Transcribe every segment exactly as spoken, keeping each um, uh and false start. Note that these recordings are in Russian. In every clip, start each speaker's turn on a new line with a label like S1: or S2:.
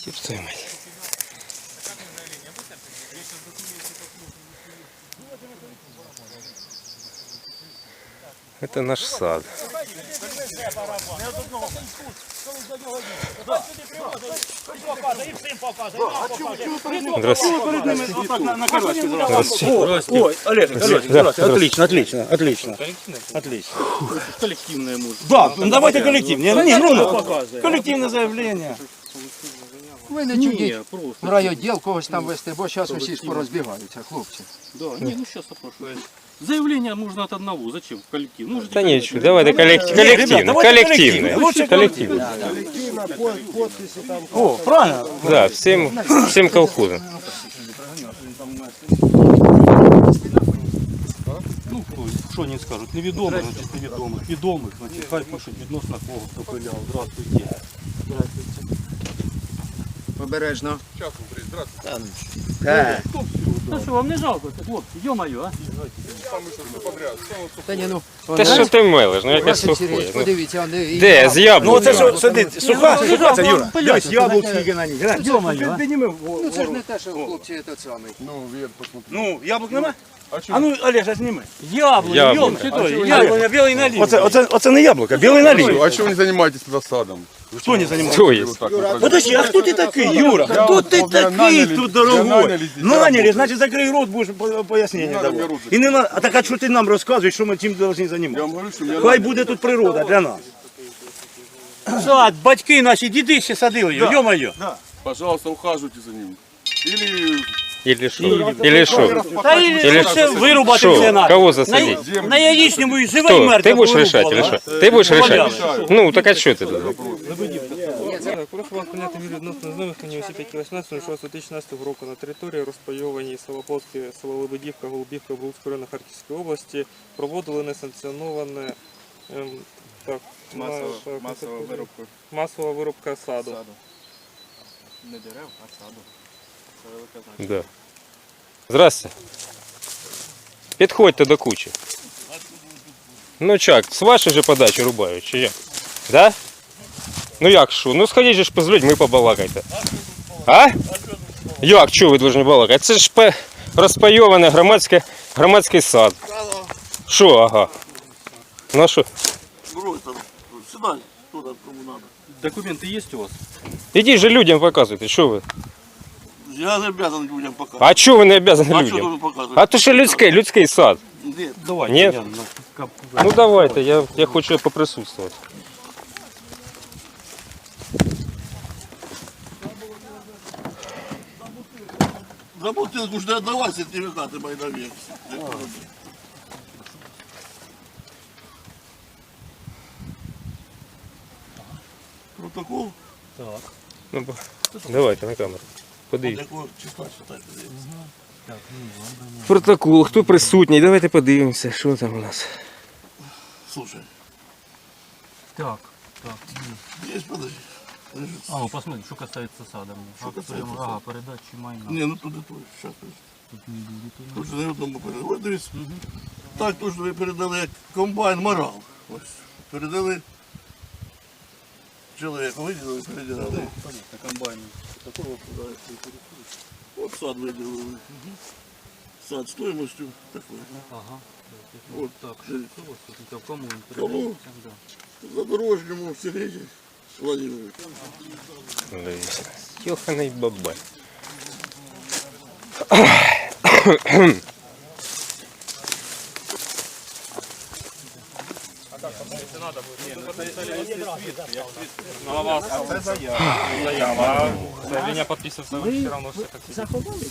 S1: Ёпта мать. Это наш сад. Здравствуйте.
S2: Ой, Олег, Олег, отлично, отлично, отлично. Отлично.
S3: Коллективное может.
S2: Да, ну давайте коллективное. Не, ну, коллективное заявление.
S4: Ви не чудіть в райвідділ когось там вести, бо зараз усі ж порозбігаються, хлопці.
S3: Да, не, ну сейчас опрошу. Заявление нужно от одного. Зачем? В коллектив. Ну,
S1: Да ничего, давайте коллективно, коллективно,
S2: Лучше
S1: коллективно.
S2: О, правильно?
S1: Да, всем, всем колхозам.
S2: Ну, що вони скажуть, невідомих, значить невідомих, відомих, значить хай пишуть відносно кого, хто пиляв. Здравствуйте.
S4: Обережно.
S3: Ну что, вам не жалко, хлопці, ё-моё, а?
S4: Та ні, ну,
S1: Та що ти мелиш, ну якась
S4: Василь
S1: сухоє.
S4: Сергійович,
S1: Ну,
S4: подивіться, вони і
S1: де, з
S2: Ну
S1: яблук?
S2: оце що сидить, суха, суха, це Юра. Дивись, яблук
S3: Яблук
S2: скільки на ній.
S3: Ё-моё, а?
S2: Підніми.
S4: Ну це ж не те, що хлопці той самий.
S2: Ну, яблук нема? А ну, Олег, зніми.
S3: Яблоко,
S1: Яблоко.
S3: ём, что яблоко, белый налив.
S2: Оце, оце, оце не яблуко, білий налив.
S5: А чего вы не занимаетесь тогда садом?
S2: Хто не займається?
S1: Хто є?
S5: Вот так вот
S2: Подожди, а хто ти такий, Юра? Хто ти
S5: вот меня
S2: такий
S5: наняли,
S2: тут,
S5: меня
S2: дорогой?
S5: наняли здесь
S2: Наняли,
S5: работать.
S2: значить закрий рот, будеш по- пояснення
S5: Надо
S2: давати.
S5: мне руки.
S2: І не на... А так, а що ти нам розказуєш, що ми чим повинні
S5: Я
S2: займатися?
S5: вам говорю, что меня
S2: Хай
S5: наняли.
S2: буде тут природа для нас.
S3: Сад, батьки наші, діди ще садили його, ё-моё.
S5: Пожалуйста, ухаживайте за ним. Или
S1: Или що? Или що?
S3: Та і
S1: Или
S3: ще вирубати
S1: Що?
S3: все надо.
S1: Кого засадить?
S3: На, на яєчному і живе і
S1: Кто?
S3: мертве.
S1: Ты будешь решать
S3: порубало,
S1: или
S3: а?
S1: что? Ты будешь решать? Ну, так а что ты тут?
S6: Прошу вас прийняти мір відносно знайомих мені осіб, які вісімнадцятого шостого дві тисячі шістнадцятого року на території розпайованій село Полське, село Лебедівка, Голубівка, Брулського району Харківської області проводили несанкціоноване ем, так,
S7: Масова,
S6: так,
S7: масова вирубка
S6: масова вирубка саду.
S7: саду. Не дерев, а саду. Це велика значення.
S1: Да. Здрасте. Підходьте до кучі. Ну чак, з вашої же подачі рубають, чи як? Да? Ну як що? Ну сходіть же ж з людьми побалакайте. А? Як, чого ви повинні балакати? Це ж пе- розпайований громадський, громадський сад. Що, ага? Ну а що?
S3: Документы есть у вас?
S1: Ідіть же людям показуйте, що ви?
S8: Я не обязан людям показывать.
S1: А чого ви не обязані
S8: А что
S1: людям?
S8: вы показываете?
S1: А то що людський, людський сад.
S8: Нет.
S3: Давай.
S1: Нет? Ну давайте, я, я хочу поприсутствовать.
S8: За бутылку жду отдавать сертификаты мои навек. Протокол?
S1: Ну, бо- давайте на камеру. Подивіться.
S8: Якого числа считать?
S1: Протокол, хто присутній, давайте подивимося, що там у нас.
S8: Слушай,
S3: Так, так.
S8: есть, подожди. Подожди.
S3: А, ну посмотри, что касается сада.
S8: Что касается
S3: Ага,
S8: сада?
S3: передачи майна.
S8: Не, ну туди тут. Сейчас, тут же не одному передали. Ось дивіться. Так, тут же ви передали як комбайн морал. Ось. Передали чоловіку, виділили, передали.
S3: Комбайн.
S8: От сад виділили. Сад стоимостью такой.
S3: Ага.
S8: Вот
S3: Так,
S8: дивіться.
S3: что у вас тут? Это кому он
S8: Кому?
S3: передается? Да.
S8: Задорожньому Сергію Владимировичу.
S1: Йоханий бабай.
S6: Ну а вас це заява. Заявлення підписується ви все одно все так.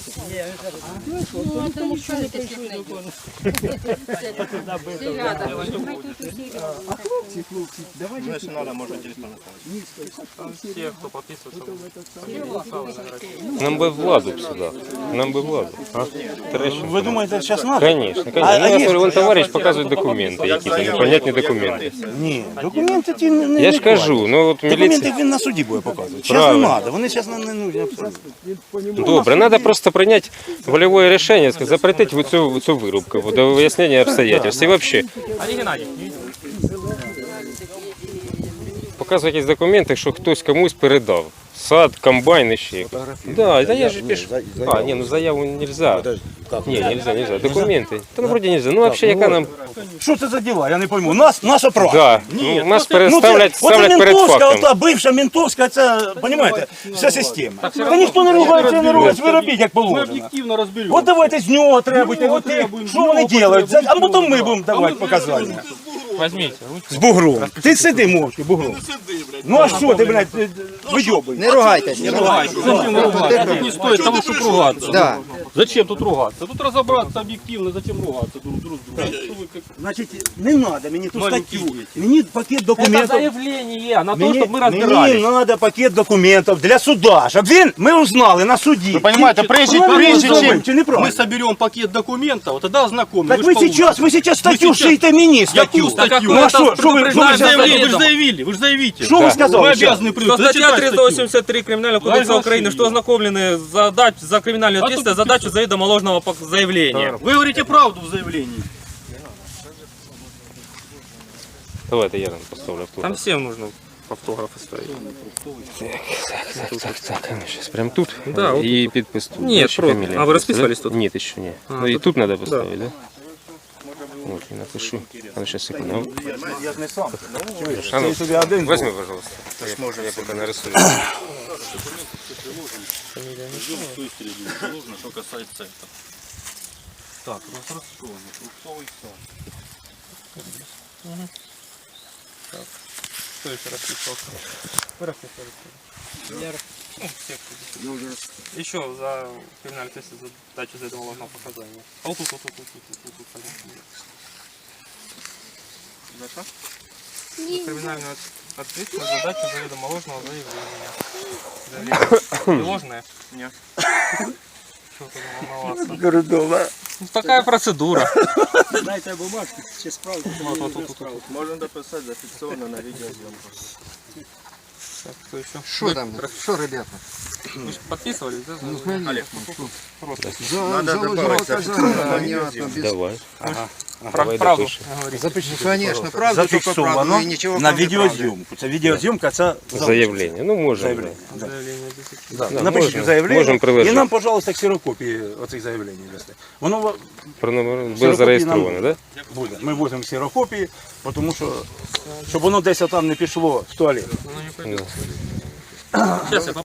S7: Значить, треба, можна телефон оставити.
S6: Всі, хто підписується,
S1: Нам би владу б сюди. Нам би владу. А? Трещин.
S2: Ви думаєте, зараз треба?
S1: Конечно, конечно.
S2: А-
S1: Ну,
S2: а
S1: нас
S2: є-
S1: вон товариш показує документи, якісь непонятні документи.
S2: Ні, документи ті не, не
S1: Я ж
S2: не
S1: кажу, ну от
S2: Документи
S1: міліція.
S2: він на суді буде показувати. Зараз не
S1: Правильно.
S2: треба, вони зараз нам не нужні абсолютно.
S1: Добре, треба просто прийняти волевое рішення, запретити цю, цю вирубку до вияснення обстоятельств. І взагалі,
S6: Олег Геннадійович,
S1: показує якісь документи, що хтось комусь передав сад, комбайн и ще. Да, да я же пишу. А, не, ну заяву нельзя. Не, нельзя, нельзя. Документы. Да ну вроде нельзя. Ну вообще яка нам...
S2: Що це за діла? Я не пойму. Нас, наша права.
S1: Да, ну, нас
S2: Ну, це,
S1: переставлять
S2: оце
S1: ставлять перед
S2: ментовська,
S1: фактом.
S2: ота бивша ментовська, це, розумієте, вся система. Та ніхто не ругається, не ругається, ви робіть, як
S3: Мы
S2: положено.
S3: объективно разберем.
S2: От давайте з нього требуйте,
S3: нього
S2: от,
S3: требуємо,
S2: що вони
S3: з нього
S2: роблять,
S3: потребуємо,
S2: а потім
S3: з
S2: ми
S3: нього.
S2: будемо давати показання.
S6: Возьмите ручку.
S2: З бугром. Ти сиди мовчки, бугром. Ну а що ти, блядь, вийобуєш?
S4: Не ругайтесь.
S3: Не ругайся. Зачем ругаться? Тут не стоит того, чтобы ругаться.
S4: Да.
S3: Зачем тут ругаться? Тут разобраться объективно, зачем ругаться друг с другом? Что вы как
S2: Значить, не треба мені ту
S3: маленькі
S2: статтю.
S3: діти.
S2: Мені пакет
S3: Это
S2: документів.
S3: заявление на то,
S2: Мені,
S3: чтобы мы
S2: мені
S3: разбирались.
S2: треба пакет документів для суда, щоб він, ми узнали на суді. Ви
S3: Понимаете, прежде, прежде чем
S2: чи не
S3: мы
S2: правильно?
S3: соберем пакет документов, тогда ознакомим.
S2: Так
S3: Вы
S2: ви
S3: ж получите.
S2: зараз, ви зараз статтю
S3: сейчас-
S2: шиєте мені статтю.
S3: Яку статтю?
S2: Ну а що, що ви, що ви
S3: Вы же
S2: зараз
S3: заявили, вы же
S2: заявили?
S3: заявили, вы же заявите.
S2: Що ви
S3: Вы
S2: сказали? щас?
S3: обязаны при-
S6: Что статья
S3: зачитать
S6: триста
S3: статью.
S6: восемьдесят три Криминального кодекса
S3: Ваше
S6: Украины, что ознакомлены за, дач, за криминальную
S3: А
S6: ответственность
S3: тут
S6: за дачу заведомо ложного пок- заявления.
S3: Вы говорите правду в заявлении.
S1: Давайте я нам поставлю автограф.
S6: Там всем нужно автографы ставить.
S1: Так, так, так, так, а ну сейчас прям тут.
S6: Да, вот
S1: и подпись тут.
S6: Нет,
S1: Дальше
S6: просто.
S1: фамилия
S6: А вы
S1: просто,
S6: расписывались
S1: да?
S6: тут?
S1: Нет, еще не.
S6: А,
S1: Ну и
S6: тут-
S1: тут надо поставить, да? Вот, я напишу. А ну сейчас, секунду.
S2: Я ж не сам.
S1: А ну,
S2: Ти собі один.
S1: возьми, пожалуйста. Я, я пока нарисую.
S3: Что касается этого. Так, разрисованный фруктовый сад.
S6: Кто еще расписывался? Вы расписывались? Я расписывался. Еще за криминальную ответственность за дачу заведомо ложного показания. А вот тут, вот тут, вот тут, вот тут, вот тут, вот тут. За что? За криминальную от- ответственность за дачу заведомо ложного заявления. Заявление. Не ложное? Нет. Что ты волноваться?
S2: Кордова.
S6: Ну, такая процедура.
S7: Дайте бумажки, чи справку.
S6: Вот, вот, вот, вот, вот.
S7: Можно дописать зафиксировано на видеозъемку.
S6: Так, кто еще?
S4: Що там? Що, ребята?
S6: Вы же подписывались, да? за-
S4: Ну, конечно.
S6: Олег, просто.
S4: За, за ложного оказания, понятно. Без...
S1: Давай.
S6: Прав-
S1: Давай
S6: правду
S1: допишем.
S6: говорите.
S4: Ну, конечно, правда, только правда.
S2: Зафіксовано
S4: І нічого
S2: на
S4: кроме правди.
S2: відеозйомку. Це відеозйомка, це
S1: Заявление. Ну, можем.
S2: заявлення. Да.
S6: Заявление обязательно.
S2: Да.
S1: Да,
S2: Напишіть
S1: можна.
S2: заявлення
S1: Можемо приложити.
S2: і нам, пожалуйста, ксерокопії оцих заявлень дасте. Воно ва-
S1: Про номер буде
S2: Ксерокопії
S1: зареєстровано,
S2: нам
S1: да?
S2: буде. Ми возимо ксерокопії, тому що, щоб воно десь там не пішло в туалет.
S6: Ну, не пойдет. Сейчас я